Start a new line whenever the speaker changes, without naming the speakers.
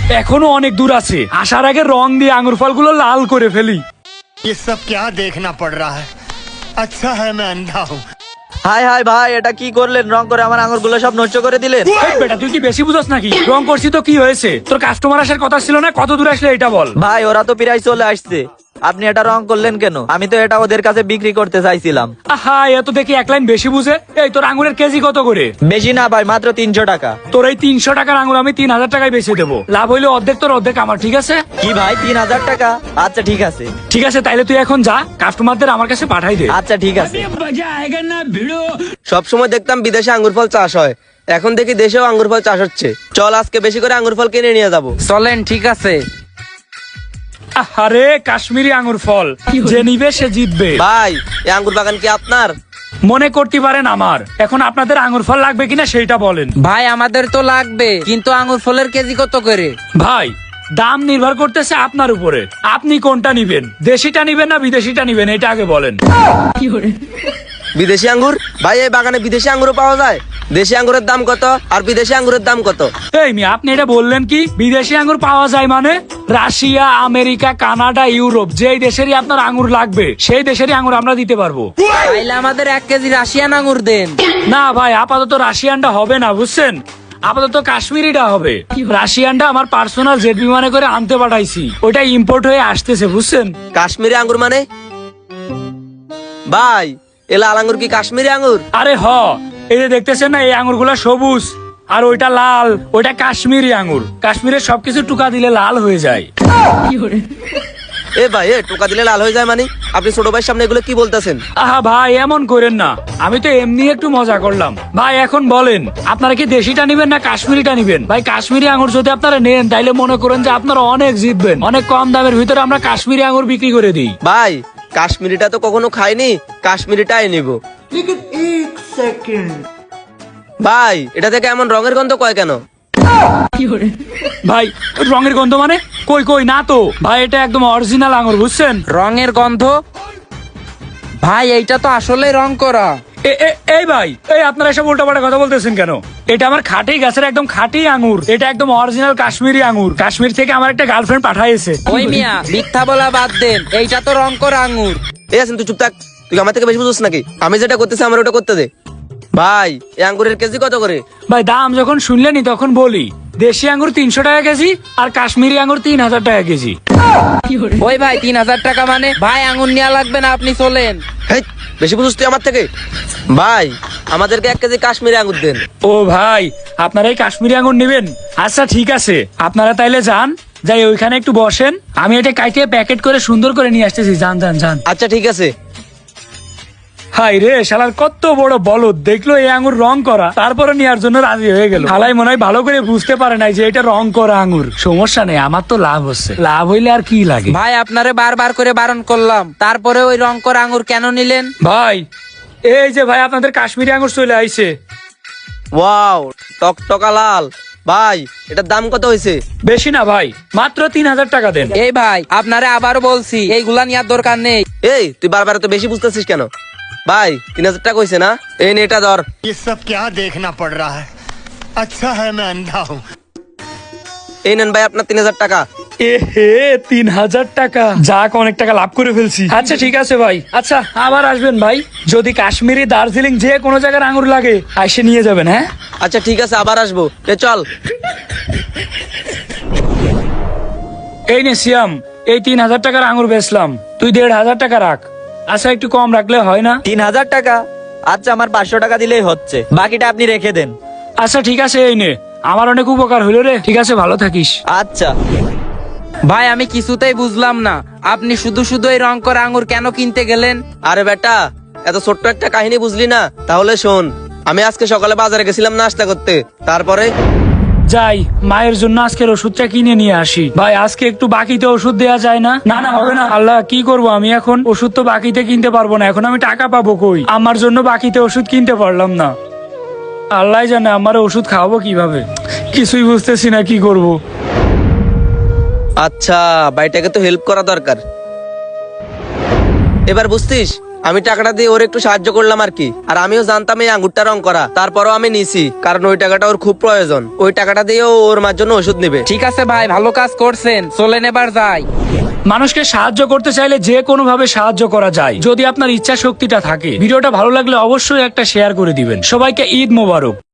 এখনো অনেক দূর আছে, আসার আগে রং দিয়ে আঙ্গুর ফলগুলো লাল করে ফেলি।
ये सब क्या देखना पड़ रहा है। अच्छा है मैं अंधा हूँ।
হাই হাই ভাই, এটা কি করলেন? রং করে আমার আঙুরগুলো সব নষ্ট করে দিলেন।
এই বেটা, তুই কি বেশি বুঝছ নাকি? রং করছি তো কি হয়েছে? তোর কাস্টমার আসার কথা ছিল না? কত দূর আসলে এটা বল।
ভাই ওরা তো প্রায় চলে আসছে, আপনি এটা রং করলেন কেন? আমি তো এটা ওদের কাছে বিক্রি করতে চাইছিলাম।
আহা, এত দেখি এক লাইন বেশি বুঝে। এই তোর আঙ্গুরের কেজি কত করে?
বেশি না ভাই, মাত্র 300 টাকা।
তোর এই 300 টাকার আঙ্গুর আমি 3000 টাকায় বেচে দেবো। লাভ হইলে অর্ধেক তোর, অর্ধেক আমার, ঠিক আছে?
কি ভাই, 3000 টাকা? আচ্ছা ঠিক আছে।
ঠিক আছে, তাইলে তুই এখন যা, কাস্টমারদের আমার কাছে পাঠাই দে।
আচ্ছা ঠিক আছে।
সব সময় দেখতাম বিদেশে আঙ্গুর ফল চাষ হয়, এখন দেখি দেশেও আঙ্গুর ফল চাষ হচ্ছে। চল আজকে বেশি করে আঙ্গুর ফল কিনে নিয়ে যাবো।
চলেন, ঠিক আছে।
আরে কাশ্মীরি আঙ্গুর ফল, যে নিবে সে জিতবে।
ভাই, এই আঙ্গুর বাগান কি আপনার?
মনে করতে পারেন আমার। এখন আপনাদের আঙ্গুর ফল লাগবে কিনা সেইটা বলেন।
ভাই আমাদের তো লাগবে, কিন্তু আঙ্গুর ফলের কেজি কত করে?
ভাই, দাম নির্ভর করতেছে আপনার উপরে। আপনি কোনটা নিবেন, দেশিটা নিবেন না বিদেশিটা নিবেন, এটা আগে বলেন।
বিদেশি আঙ্গুর? ভাই এই বাগানে বিদেশি আঙ্গুরও পাওয়া যায়? দেশি আঙ্গুরের দাম কত আর বিদেশি আঙ্গুরের দাম কত?
এই মিয়া, আপনি এটা বললেন কি? বিদেশি আঙ্গুর পাওয়া যায় মানে? রাশিয়া, আমেরিকা, কানাডা, ইউরোপ, যেই দেশেরই আপনার আঙ্গুর লাগবে সেই দেশেরই আঙ্গুর আমরা দিতে পারবো।
তাইলে আমাদের 1 কেজি রাশিয়ান আঙ্গুর দেন।
না ভাই, আপাতত রাশিয়ানটা হবে না, বুঝছেন? আপাতত কাশ্মীরিটা হবে। রাশিয়ানটা আমার পার্সোনাল জেট বিমানে করে আনতে পাঠাইছি, ওটা ইম্পোর্ট হয়ে আসতেছে, বুঝছেন?
কাশ্মীরি আঙ্গুর মানে? ভাই, এ লাল আঙ্গুর কি কাশ্মীরি আঙ্গুর?
আরে এই যে দেখতেছেন না, এই আঙ্গুরগুলা সবুজ আর ওইটা লাল, ওইটা কাশ্মীরি আঙ্গুর। কাশ্মীরের সবকিছু টুকা দিলে লাল হয়ে যায়।
এ ভাই, টোকা দিলে লাল হয়ে যায় মানে? আপনি ছোট ভাইয়ের সামনে এগুলো কি বলতেছেন?
আহা ভাই, এমন করেন না, আমি তো এমনি একটু মজা করলাম। ভাই এখন বলেন, আপনারা কি দেশিটা নিবেন না কাশ্মীরিটা নিবেন? ভাই কাশ্মীরি আঙ্গুর যদি আপনারা নেন তাইলে মনে করেন যে আপনারা অনেক জিতবেন। অনেক কম দামের ভিতরে আমরা কাশ্মীরি আঙ্গুর বিক্রি করে দিই।
ভাই, কাশ্মীরিটা তো কখনো খাইনি, কাশ্মীরিটাই নিব। ভাই, এটা থেকে এমন রঙের গন্ধ কয় কেন?
ভাই, রঙের গন্ধ মানে? কই কই না তো ভাই, এটা একদম অরিজিনাল আঙ্গুর, বুঝছেন?
রঙের গন্ধ? ভাই এইটা তো আসলে রং করা।
এই ভাই, এই আপনারা এসব উল্টাপাল্টা কথা বলতেছেন কেন? এটা আমার খাঁটি গাছের একদম খাঁটি আঙ্গুর, এটা একদম অরিজিনাল কাশ্মীরি আঙ্গুর। কাশ্মীর থেকে আমার একটা গার্লফ্রেন্ড পাঠাইছে।
ওই মিয়া, মিথ্যা বলা বাদ দেন, এইটা তো রং করা আঙ্গুর।
এই আছেন, তুই চুপ থাক। তুই আমার থেকে বেশি বুঝছিস নাকি? আমি যেটা করতেছি আমার ওটা করতে দে। ভাই, এই আঙ্গুরের কেজি কত করে?
ভাই, দাম যখন শুনলেনি তখন বলি, দেশি আঙ্গুর 300 টাকা কেজি আর কাশ্মীরি আঙ্গুর 3000 টাকা কেজি।
ওই ভাই, 3000 টাকা মানে? ভাই আঙ্গুর নেওয়া লাগবে না, আপনি চলেন।
হেই, বেশি বুঝছিস তুই আমার থেকে? ভাই, আমাদেরকে 1 কেজি কাশ্মীরি আঙ্গুর দেন।
ও ভাই, আপনারা এই কাশ্মীরি আঙ্গুর নেবেন? আচ্ছা ঠিক আছে, আপনারা তাইলে যান, যাই ওইখানে একটু বসেন, আমি এটা কাটিয়ে প্যাকেট করে সুন্দর করে নিয়ে আসতেছি। যান যান যান।
আচ্ছা ঠিক আছে।
হাই রে, শালার কত বড় বলদ, দেখলো এই আঙ্গুর রং করা, তারপরে নেওয়ার জন্য রাজি হয়ে গেল। হালাই মনে হয় ভালো করে বুঝতে পারে নাই যে এটা রং করা আঙ্গুর। সমস্যা নেই, আমার তো লাভ হচ্ছে, লাভ হইলে আর কি লাগে।
ভাই আপনারে বারবার করে বারণ করলাম, তারপরে ওই রং করা আঙ্গুর কেন নিলেন?
ভাই, এই যে ভাই, আপনাদের কাশ্মীরি আঙ্গুর চলে আইছে।
ওয়াও, টকটকা লাল। ভাই, এটার দাম কত হয়েছে?
বেশি না ভাই, মাত্র 3000 টাকা দেন।
এই ভাই, আপনারে আবারও বলছি, এইগুলা নেওয়ার দরকার নেই।
এই, তুই বারবার তো বেশি বুঝতেছিস কেন? ভাই, 3000 টাকা হয়েছে না? এই নে, এটা ধর।
ये सब क्या देखना पड़ रहा है। अच्छा है मैं अंधा हूँ।
এই নেন ভাই আপনার 3000 টাকা।
এ হে, 3000 টাকা, যাক অনেক টাকা লাভ করে ফেলছি। আচ্ছা ঠিক আছে ভাই, আচ্ছা আবার আসবেন ভাই, যদি কাশ্মীরি, দার্জিলিং যে কোনো জায়গার আঙ্গুর লাগে আইসে নিয়ে যাবেন। হ্যাঁ
আচ্ছা ঠিক আছে, আবার আসবো। চল।
এই নে সিয়াম, এই 3000 টাকার আঙ্গুর বেচলাম, তুই 1500 টাকা রাখ। আচ্ছা একটু কম রাখলে হয় না?
3000 টাকা? আচ্ছা, আমার 500 টাকা দিলেই হচ্ছে, বাকিটা আপনি রেখে দেন।
আচ্ছা ঠিক আছে, এই নে, আমার অনেক উপকার হইলো রে। ঠিক আছে, ভালো থাকিস।
আচ্ছা
ভাই আমি কিছুতেই বুঝলাম না, আপনি শুধু শুধু এই রং করা আঙ্গুর কেন কিনতে গেলেন?
আরে বেটা, এত ছোট্ট একটা কাহিনী বুঝলি না? তাহলে শোন, আমি আজকে সকালে বাজারে গেছিলাম নাস্তা করতে, তারপরে
যাই মায়ের জন্য আজকের ওষুধটা কিনে নিয়ে আসি। ভাই, আজকে একটু বাকিতে ওষুধ দেয়া যায় না? না না, হবে না। আল্লাহ, কি করব আমি এখন? ওষুধ তো বাকিতে কিনতে পারবো না, এখন আমি টাকা পাবো কই? আমার জন্য বাকিতে ওষুধ কিনতে পারলাম না। আল্লাহ জানে আমার ওষুধ খাওয়াবো কিভাবে, কিছুই বুঝতেছি না কি করব।
আচ্ছা, ভাইটাকে তো হেল্প করা দরকার। এবার বুঝতিস আমি টাকাটা দিয়ে ওর একটু সাহায্য করলাম আর কি। আর আমিও জানতাম এই আঙ্গুরটা রং করা, তারপরও আমি নিছি, কারণ ওই টাকাটা ওর খুব প্রয়োজন। ওই টাকাটা দিয়ে ও ওর মার জন্য ওষুধ নিবে।
ঠিক আছে ভাই, ভালো কাজ করছেন, চলেন এবার যাই।
মানুষকে সাহায্য করতে চাইলে যে কোনো ভাবে সাহায্য করা যায়, যদি আপনার ইচ্ছা শক্তিটা থাকে। ভিডিওটা ভালো লাগলে অবশ্যই একটা শেয়ার করে দিবেন। সবাইকে ঈদ মোবারক।